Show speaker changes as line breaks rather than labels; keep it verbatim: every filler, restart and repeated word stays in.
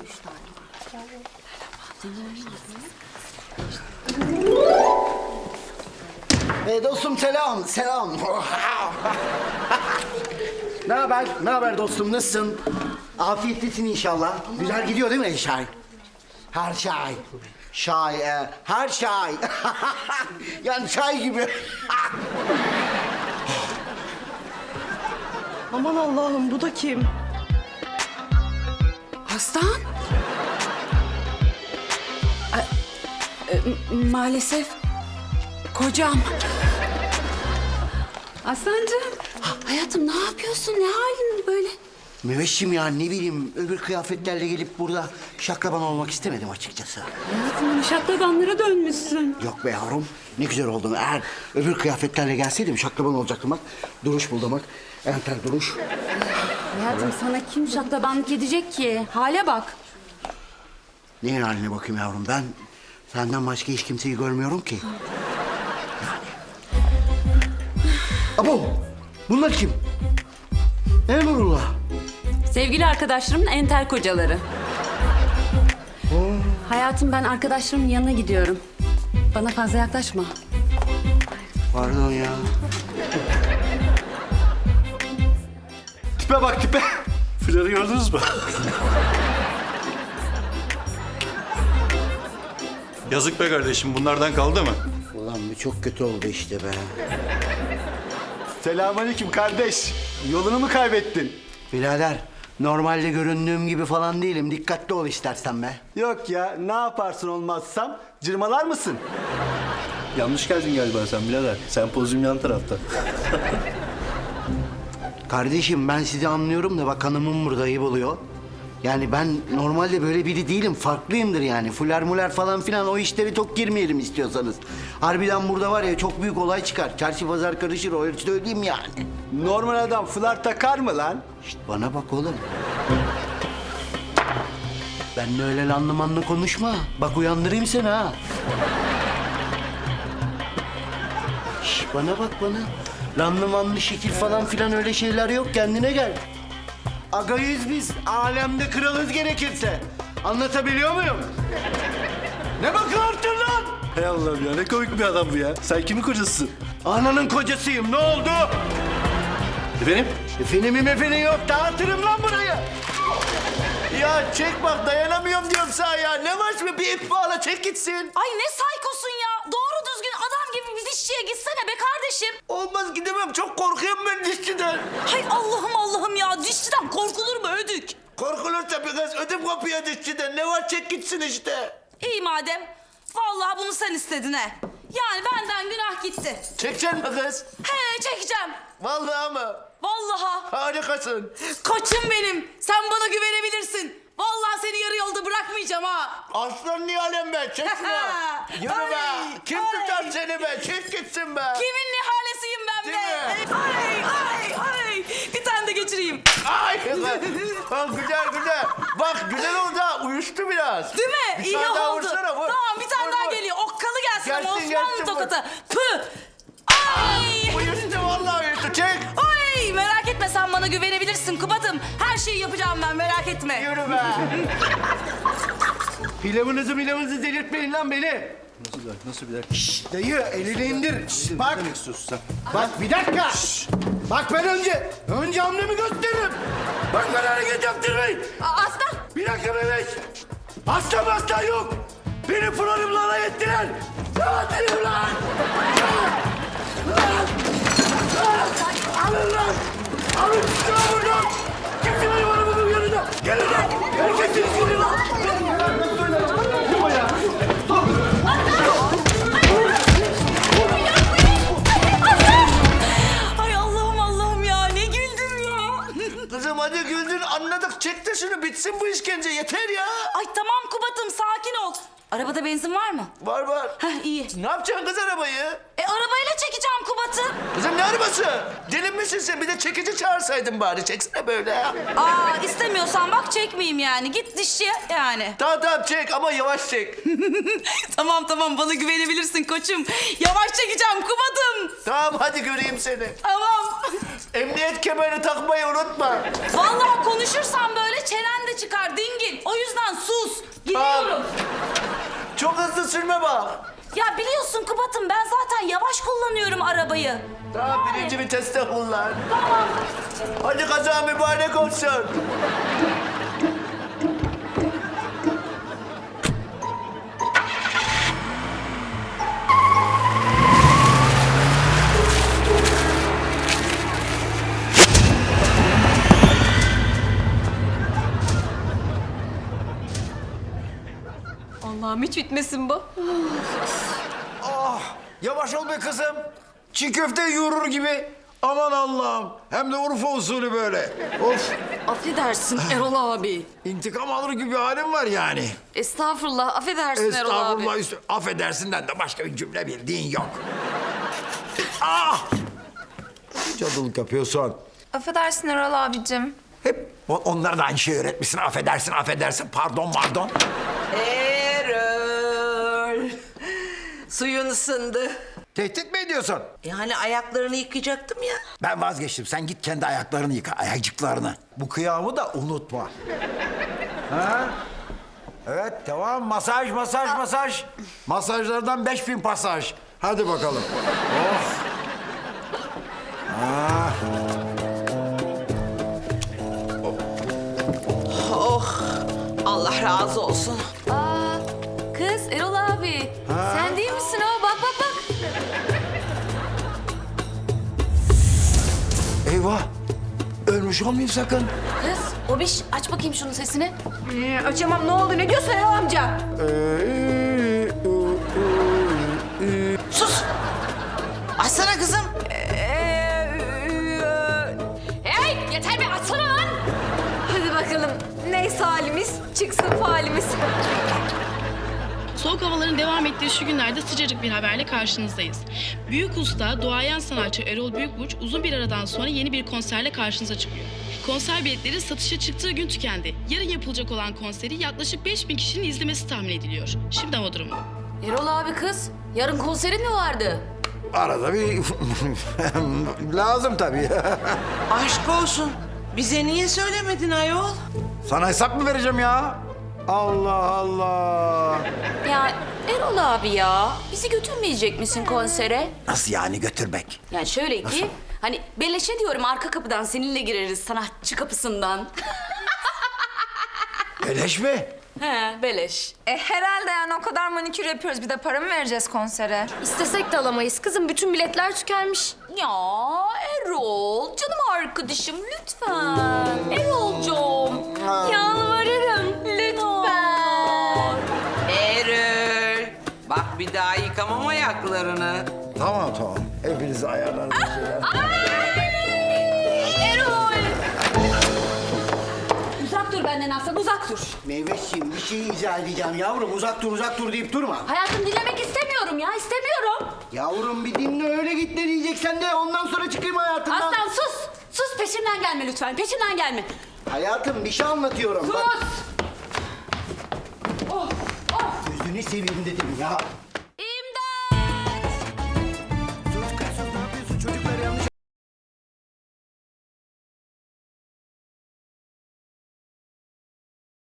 Ee, dostum selam, selam. Ne haber? Ne haber dostum? Nasılsın? Afiyetlisin inşallah. Güzel gidiyor değil mi her şey? Her şey. Şay, e, her şey. Yani çay gibi.
Aman Allah'ım, bu da kim?
Aslan? E, e, maalesef kocam. Aslancığım, hayatım ne yapıyorsun? Ne halin böyle?
Müveşşim ya, ne bileyim, öbür kıyafetlerle gelip burada şaklaban olmak istemedim açıkçası.
Hayatım şaklabanlara dönmüşsün.
Yok be yavrum, ne güzel oldun. Eğer öbür kıyafetlerle gelseydim şaklaban olacaktım bak. Duruş buldum bak, enter duruş.
Hayatım sana kim şaklabanlık edecek ki? Hale bak.
Neyin haline bakayım yavrum, ben senden başka hiç kimseyi görmüyorum ki. Yani. Abo, bunlar kim? Emrullah.
Sevgili arkadaşlarımın entel kocaları. Hayatım ben arkadaşlarımın yanına gidiyorum. Bana fazla yaklaşma.
Pardon ya.
Tipe bak tipe. Flörü gördünüz mü? Yazık be kardeşim, bunlardan kaldı mı?
Ulan bu çok kötü oldu işte be.
Selamünaleyküm kardeş. Yolunu mu kaybettin?
Birader, normalde göründüğüm gibi falan değilim. Dikkatli ol istersen be.
Yok ya, ne yaparsın olmazsam? Cırmalar mısın? Yanlış geldin galiba sen birader. Sen pozum yan tarafta.
Kardeşim ben sizi anlıyorum da bak hanımım burada ayıp oluyor. Yani ben normalde böyle biri değilim. Farklıyımdır yani. Fuler muler falan filan o işleri çok girmeyelim istiyorsanız. Harbiden burada var ya çok büyük olay çıkar. Çarşı pazar karışır o ölçüde söyleyeyim yani.
Normal adam flar takar mı lan?
Şişt bana bak oğlum. Benle öyle lanlı manlı konuşma. Bak uyandırayım seni ha. Şişt bana bak bana. Lanlı manlı şekil falan filan öyle şeyler yok. Kendine gel. Agayız biz. Alemde kralız gerekirse. Anlatabiliyor muyum? Ne bakıyorsun lan?
Hey Allah'ım ya, ne komik bir adam bu ya. Sen kimin kocasısın?
Ananın kocasıyım. Ne oldu?
Efendim?
Efendim efendim yok. Dağıtırım lan burayı. Ya çek bak dayanamıyorum diyorum sana ya. Ne var mı bir ip bağla çek gitsin.
Ay ne saykosun ya. Doğru düzgün adam gibi bir dişçiye gitsene be kardeşim.
Olmaz gidemem. Çok korkuyorum ben dişçiden.
Hay Allah'ım Allah'ım ya. Dişçiden korkulur mu ödük?
Korkulur tabii kız. Ödüm kopuyor dişçiden. Ne var çek gitsin işte.
İyi madem. Vallahi bunu sen istedin he. Yani benden günah gitti.
Çekeceksin mi kız?
He çekeceğim.
Vallahi mı?
Vallahi.
Harikasın.
Koçum benim. Sen bana güvenebilirsin. Vallahi seni yarı yolda bırakmayacağım ha.
Aslan Nihal'im be. Çek şunu. Yürü
Ay,
be. Kim
ay.
tutar seni be? Çek gitsin be.
Kimin nihalesiyim ben
Değil
be?
mi?
Ay ay ay. Bir tane de geçireyim.
Ay kızım. Ha, güzel güzel. Bak güzel oldu ha. Uyuştu biraz.
Değil mi?
Bir
İyi
tane daha
oldu.
vursana, vur.
Tamam bir tane
Vur,
daha
vur.
geliyor. Okkalı gelsin,
Gelsin,
ama Osmanlı
gelsin, vur.
tokatı. Pı. Ay.
Uyuştu vallahi uyuştu. Çek.
Ay merak etme, sen bana güvenebilirsin Kubat'ım. Her şeyi yapacağım ben, merak etme.
Yürü be. Pilavınızı milavınızı delirtmeyin lan beni.
Nasıl bir dakika, nasıl bir dakika?
Şşt, dayı elini indir. Şşt,
Ne
bak.
demek istiyorsun sen?
Bak bir dakika. Bak ben önce. Önce hamlemi gösteririm. Bak ben hareket yaptırmayın.
Aa, Aslan.
Bir dakika bebek. Hasta hasta yok. Beni programla alay ettiler. Dağıtırım lan. Lan. Lan. Alın lan. Alın çıkıyor buradan. Kimse benim arabamın yanında. Gelin lan. Herkesiniz gelin lan.
Ay Allah'ım Allah'ım ya, ne güldüm ya.
Kızım hadi güldün anladık. Çek de şunu bitsin bu işkence yeter ya.
Ay tamam Kubat'ım, sakin ol. Arabada benzin var mı?
Var var.
Heh iyi.
Ne yapacaksın kız arabayı?
E arabayla çekeceğim Kubat'ı.
Kızım ne arabası? Deli misin sen? Bir de çekici çağırsaydın bari. Çeksene böyle ya.
Aa istemiyorsan bak çekmeyeyim yani. Git dişçiye yani.
Tamam tamam çek ama yavaş çek.
Tamam tamam, bana güvenebilirsin koçum. Yavaş çekeceğim Kubat'ım.
Tamam hadi göreyim seni.
Tamam.
Emniyet kemerini takmayı unutma.
Vallahi konuşursan böyle çenen de çıkar dingil. O yüzden sus. Gidiyorum.
Çok hızlı sürme bak.
Ya biliyorsun Kubat'ım ben zaten yavaş kullanıyorum arabayı.
Tamam birinci viteste kullan. Tamam. Hadi kaza mübarek olsun.
Allah'ım hiç bitmesin bu.
Yavaş ol be kızım. Çiğ köfte yoğurur gibi. Aman Allah'ım. Hem de Urfa usulü böyle. Of.
Affedersin Erol abi.
İntikam alır gibi halim var yani.
Estağfurullah, affedersin Erol abi.
Estağfurullah. Üstü, affedersinden de başka bir cümle bildiğin yok. Ah! Cadılık yapıyorsun.
Affedersin Erol abicim.
Hep o- onlar da aynı şeyi öğretmişsin. Affedersin, affedersin. Pardon, pardon.
Erol. Suyun ısındı.
Tehdit mi ediyorsun?
Yani ayaklarını yıkayacaktım ya.
Ben vazgeçtim. Sen git kendi ayaklarını yıka, ayakcıklarını. Bu kıyamı da unutma. Ha? Evet, tamam. Masaj, masaj, masaj. Masajlardan beş bin pasaj. Hadi bakalım. Oh. Ah.
Oh. Allah razı olsun.
Aa, kız Erol abi. Sen değil misin o? Bak bak bak.
Eyvah. Ölmüş olmayayım sakın.
Kız o biş aç bakayım şunun sesini.
Ee, açamam, ne oldu, ne diyorsun Erol amca?
Sus. Açsana kızım.
Hey yeter be açsana lan.
Hadi bakalım, neyse halimiz, çıksın falimiz.
Soğuk havaların devam ettiği şu günlerde sıcacık bir haberle karşınızdayız. Büyük usta, duayen sanatçı Erol Büyükburç uzun bir aradan sonra yeni bir konserle karşınıza çıkıyor. Konser biletleri satışa çıktığı gün tükendi. Yarın yapılacak olan konseri yaklaşık beş bin kişinin izlemesi tahmin ediliyor. Şimdi hava durumu.
Erol abi kız yarın konserin mi vardı?
Arada bir lazım tabii.
Aşk olsun. Bize niye söylemedin ayol?
Sana hesap mı vereceğim ya? Allah Allah.
Ya Erol abi ya bizi götürmeyecek misin konsere?
Nasıl yani götürmek?
Yani şöyle ki hani beleşe diyorum arka kapıdan seninle gireriz sanatçı kapısından.
Beleş mi?
He beleş.
E herhalde yani o kadar manikür yapıyoruz. Bir de para mı vereceğiz konsere?
İstesek de alamayız kızım, bütün biletler tükenmiş.
Ya Erol canım arkadaşım lütfen. Erol'cum yalvarırım lütfen.
Erol. Bak bir daha yıkamam ayaklarını.
Tamam tamam. Hepinizi ayarlarım.
Erol. Uzak dur benden Aslan uzak dur.
Meyveşciğim bir şey izah edeceğim yavrum. Uzak dur uzak dur deyip durma.
Hayatım dinlemek istemiyorum ya istemiyorum.
Yavrum bir dinle öyle git ne diyeceksen de ondan sonra çıkayım hayatımdan.
Aslan sus. Sus peşimden gelme lütfen peşimden gelme.
Hayatım bir şey anlatıyorum.
Sus.
Bak. Gözünü seveyim dedim ya.